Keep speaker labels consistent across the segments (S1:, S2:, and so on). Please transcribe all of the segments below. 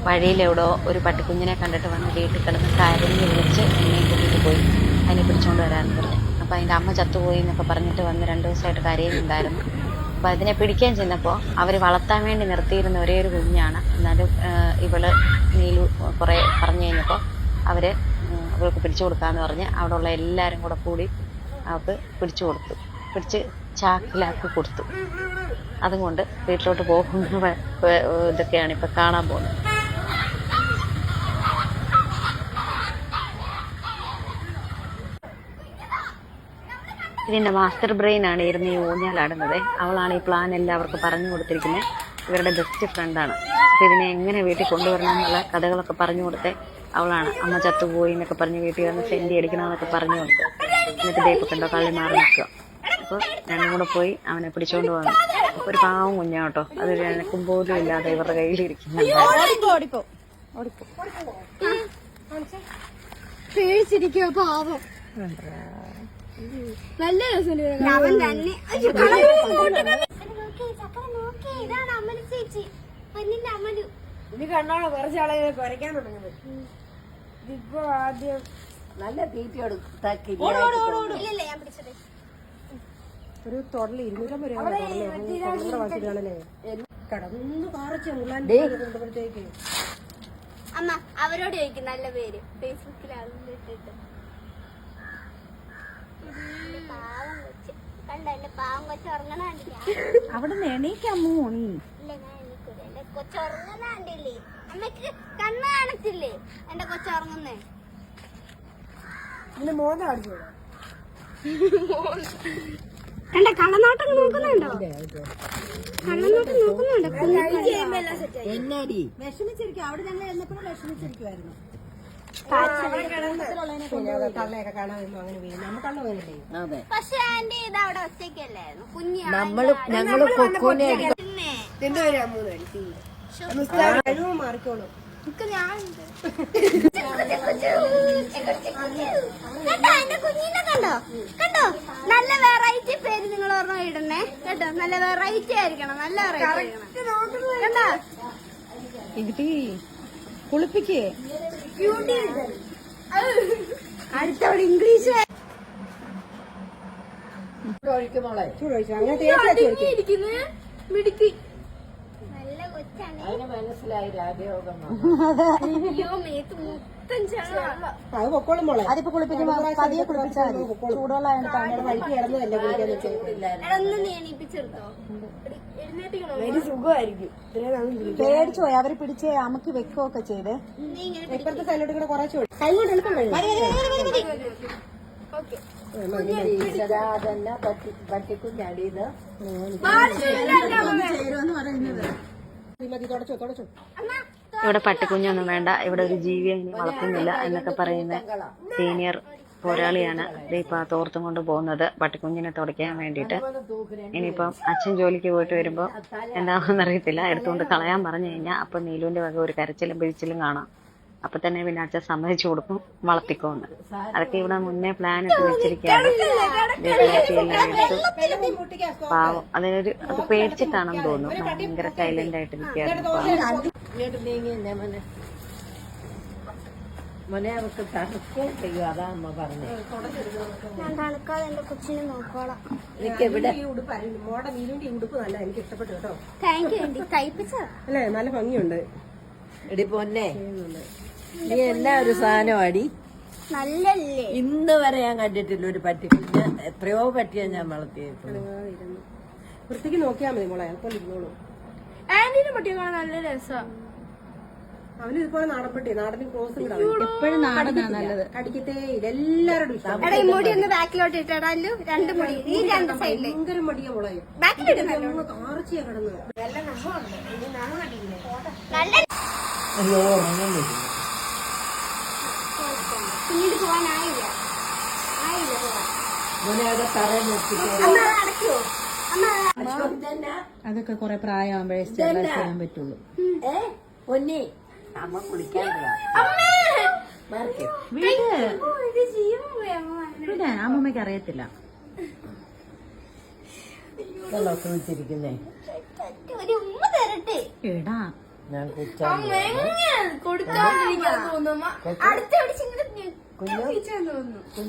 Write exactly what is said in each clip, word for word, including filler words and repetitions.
S1: വഴിയിലെവിടോ ഒരു പട്ടിക്കുഞ്ഞിനെ കണ്ടിട്ട് വന്ന് വീട്ടിൽ കിടന്ന് കരഞ്ഞ് വിളിച്ച് എന്നെ കൂട്ടിയിട്ട് പോയി. അതിനെ പിടിച്ചുകൊണ്ട് വരാമെന്ന് പറഞ്ഞു. അപ്പോൾ അതിൻ്റെ അമ്മ ചത്തുപോയി എന്നൊക്കെ പറഞ്ഞിട്ട് വന്ന് രണ്ട് ദിവസമായിട്ട് കരയുന്നുണ്ടായിരുന്നു. അപ്പോൾ അതിനെ പിടിക്കാൻ ചെന്നപ്പോൾ അവർ വളർത്താൻ വേണ്ടി നിർത്തിയിരുന്ന ഒരേ ഒരു കുഞ്ഞാണ്. എന്നാലും ഇവള് നീലു കുറേ പറഞ്ഞു കഴിഞ്ഞപ്പോൾ അവർ അവൾക്ക് പിടിച്ചു കൊടുക്കാമെന്ന് പറഞ്ഞ് അവിടെ ഉള്ള എല്ലാവരും കൂടെ കൂടി അവൾക്ക് പിടിച്ചു കൊടുത്തു. പിടിച്ച് ചാക്കിലാക്കി കൊടുത്തു. അതുകൊണ്ട് വീട്ടിലോട്ട് പോകുന്ന ഇതൊക്കെയാണ് ഇപ്പം കാണാൻ പോകുന്നത്. ഇതിൻ്റെ മാസ്റ്റർ ബ്രെയിൻ ആണ് ഇരുന്ന് ഈ ഊഞ്ഞാലാടുന്നത്. അവളാണ് ഈ പ്ലാൻ എല്ലാവർക്കും പറഞ്ഞു കൊടുത്തിരിക്കുന്നത്. ഇവരുടെ ബെസ്റ്റ് ഫ്രണ്ടാണ്. അപ്പോൾ ഇതിനെ എങ്ങനെ വീട്ടിൽ കൊണ്ടുവരണം എന്നുള്ള കഥകളൊക്കെ പറഞ്ഞു കൊടുത്തേ അവളാണ്. അമ്മ ചത്തുപോയി എന്നൊക്കെ പറഞ്ഞ് വീട്ടിൽ വന്ന് സെൻറ്റി അടിക്കണമെന്നൊക്കെ പറഞ്ഞു കൊടുത്ത്. എന്നിട്ട് ദൈപ്പം കണ്ടോ കള്ളി മാറി നിൽക്കുക. അപ്പോൾ രണ്ടും കൂടെ പോയി അവനെ പിടിച്ചുകൊണ്ട് വന്നു. അപ്പോൾ ഒരു പാവം കുഞ്ഞാ കേട്ടോ. അതൊരു എനക്കും പോലും ഇല്ലാതെ ഇവരുടെ കയ്യിലിരിക്കുന്നുണ്ട്.
S2: പേടിച്ചിരിക്കുക പാവം. നല്ല രസം. ഇനി കണ്ടോളോ കുറച്ച് ആളെ കുറയ്ക്കാൻ തുടങ്ങുന്നത്. ഇപ്പൊ ആദ്യം നല്ല തീറ്റ ഒരു തൊടല് ഇരുന്നൂറ്റമ്പത് രൂപ കടന്നു കാറച്ച് കൊണ്ടുപോഴത്തേക്ക്
S3: അമ്മ അവരോട് ചോദിക്കും നല്ല പേര് ഫേസ്ബുക്കിൽ ഇട്ടിട്ട്. പാവം കൊച്ച് കണ്ടോ എന്റെ പാവം കൊച്ച് ഉറങ്ങണ കണ്ടില്ല.
S2: അവിടെ എണീക്കാമോ നീ?
S3: ഇല്ല ഞാൻ എണീക്കൂല. എന്റെ കൊച്ച് ഉറങ്ങുന്ന കണ്ടില്ലേ? അമ്മക്ക് കണ്ണ് കാണത്തില്ലേ എന്റെ കൊച്ച് ഉറങ്ങുന്നേ?
S2: മോനെ കാണിച്ചോ?
S3: എന്റെ കള്ളനോട്ടം നോക്കുന്നുണ്ടോ? കള്ളനോട്ടം നോക്കുന്നുണ്ടോ?
S2: വിഷമിച്ചിരിക്കും. അവിടെ ഞങ്ങൾ എന്നപ്പോഴും വിഷമിച്ചിരിക്കുവായിരുന്നു.
S3: പക്ഷെ ആന്റി ഇത് അവിടെ ഒറ്റയ്ക്കല്ലായിരുന്നു. കുഞ്ഞ്
S2: നമ്മള് ഞങ്ങള് കൊക്കൂനെ മാറിക്കോളും.
S3: കുഞ്ഞിനെ കണ്ടോ കണ്ടോ? നല്ല വെറൈറ്റി പേര് നിങ്ങൾ ഓർമ്മ ഇടണേ കേട്ടോ. നല്ല വെറൈറ്റി ആയിരിക്കണം. നല്ല വെറൈറ്റി കണ്ടോ?
S2: കുളിപ്പിക്കേ
S3: അടുത്തവള് ഇംഗ്ലീഷ് മിടുക്കി. നല്ല കൊച്ചാണ്.
S2: മനസ്സിലായി രാജയോഗം.
S3: അയ്യോ മേത്ത് മൊത്തം ചാള.
S2: അത് പൊക്കോളും മോളെ. അതിപ്പോ കുളിപ്പിക്കുമ്പോ പതിയെ കുളിപ്പിച്ചാൽ ചൂടുവെള്ളം വഴിക്ക് കിടന്നതല്ലേ കുളിക്കാൻ.
S3: ഒന്ന് നീ എണീപ്പിച്ചെടുത്തോ.
S2: സുഖമായിരിക്കും. പേടിച്ചു പോയി. അവര് പിടിച്ച് അമുക്ക് വെക്കുകയൊക്കെ ചെയ്ത് ഇപ്പഴത്തെ സൈഡിലോട്ട് കൂടെ കുറച്ചു പട്ടിക്കുഞ്ഞാടിയത് ചേരുവെന്ന് പറയുന്നത്. തുടച്ചോ തുടച്ചോ.
S1: ഇവിടെ പട്ടിക്കുഞ്ഞൊന്നും വേണ്ട, ഇവിടെ ഒരു ജീവിയെ ഇനി വളർത്തുന്നില്ല എന്നൊക്കെ പറയുന്ന സീനിയർ പോരാളിയാണ് ഇപ്പം ആ തോർത്തും കൊണ്ട് പോകുന്നത് പട്ടിക്കുഞ്ഞിനെ തുടയ്ക്കാൻ വേണ്ടിയിട്ട്. ഇനിയിപ്പം അച്ഛൻ ജോലിക്ക് പോയിട്ട് വരുമ്പോൾ എന്താണെന്ന് അറിയത്തില്ല, എടുത്തുകൊണ്ട് കളയാൻ പറഞ്ഞു കഴിഞ്ഞാൽ അപ്പം നീലുവിൻ്റെ വക ഒരു കരച്ചിലും പിഴിച്ചിലും കാണാം. അപ്പം തന്നെ പിന്നെ അച്ഛൻ സമ്മതിച്ചു കൊടുക്കും വളർത്തിക്കോന്ന്. അതൊക്കെ ഇവിടെ മുന്നേ പ്ലാൻ ഇട്ട് വെച്ചിരിക്കുകയാണ്. പാവം അതിനൊരു അത് പേടിച്ചിട്ടാണെന്ന് തോന്നുന്നു. ഭയങ്കര സൈലന്റ് ആയിട്ട് നിൽക്കുകയായിരുന്നു.
S2: മോനെ അവർക്ക് തണുക്കുകയും ചെയ്യും. അതാ അമ്മ പറഞ്ഞു.
S3: ഞാൻ തണുക്കാതെ എന്റെ കൊച്ചിനെ നോക്കോളാം.
S2: മോടെ നീലുവിന്റെ ഉടുപ്പ് നല്ല എനിക്ക് ഇഷ്ടപ്പെട്ടു കേട്ടോ.
S3: Thank you. തയ്പ്പിച്ചതാ
S2: അല്ലേ? നല്ല ഭംഗിയുണ്ട്. എടി പൊന്നെ നീ എന്നാ ഒരു സാധനം അടി.
S3: നല്ലല്ലേ?
S2: ഇന്ന് വരെ ഞാൻ കണ്ടിട്ടില്ല ഒരു പട്ടിക്കുഞ്ഞ്. എത്രയോ പട്ടിയാ ഞാൻ വളർത്തിയിട്ടുള്ളൂ. വൃത്തിക്ക് നോക്കിയാ മതി മോളെ. അയാൾക്കൊന്നും ഇരുന്നോളൂ.
S3: ആന്റിന്റെ പട്ടിയെ കാണാൻ നല്ല രസമാണ്.
S2: അവന് ഇതുപോലെ നാടൻപട്ടി. നാടന് ക്രോസ് എപ്പോഴും നാടനാണ് നല്ലത്. കടിക്കത്തേ ഇല്ല. എല്ലാവരോടും ഇഷ്ടം.
S3: മുടി ഒന്ന് ബാക്കിലോട്ട് ഇട്ടാലു രണ്ട് മുടി ഈ രണ്ട് സൈഡില്
S2: ഭയങ്കര മടിയാ മോളെ.
S3: ബാക്കിലിടുന്നു
S2: കാർച്ചിയാ കിടന്ന്.
S3: അയ്യോ പിന്നീട് പോവാനായില്ല. ആയില്ല
S2: അതൊക്കെ കൊറേ പ്രായമാകുമ്പോഴേ ചെയ്യാൻ പറ്റുള്ളൂ. പൊന്നെ അമ്മ കുളിക്കാൻ അമ്മമ്മക്ക് അറിയത്തില്ല. എടാ ഞാൻ കുച്ചാൻ
S3: കൊടുത്തോണ്ടിരിക്കാൻ തോന്നുന്നു അടുത്ത
S2: കുഞ്ഞു
S3: തോന്നുന്നു.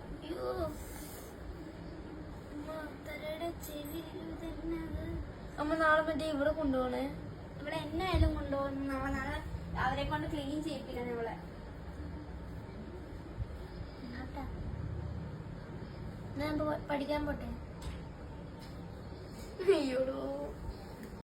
S4: അമ്മ നാളെ മറ്റേ ഇവിടെ കൊണ്ടുപോണേ.
S3: ഇവിടെ എന്നായാലും കൊണ്ടുപോകുന്നു. നമ്മളെ നാളെ അവരെ കൊണ്ട് ക്ലീൻ ചെയ്യിപ്പിക്കണം നമ്മളെ.
S4: ഞാൻ പഠിക്കാൻ പോട്ടെ.
S3: അയ്യോടോ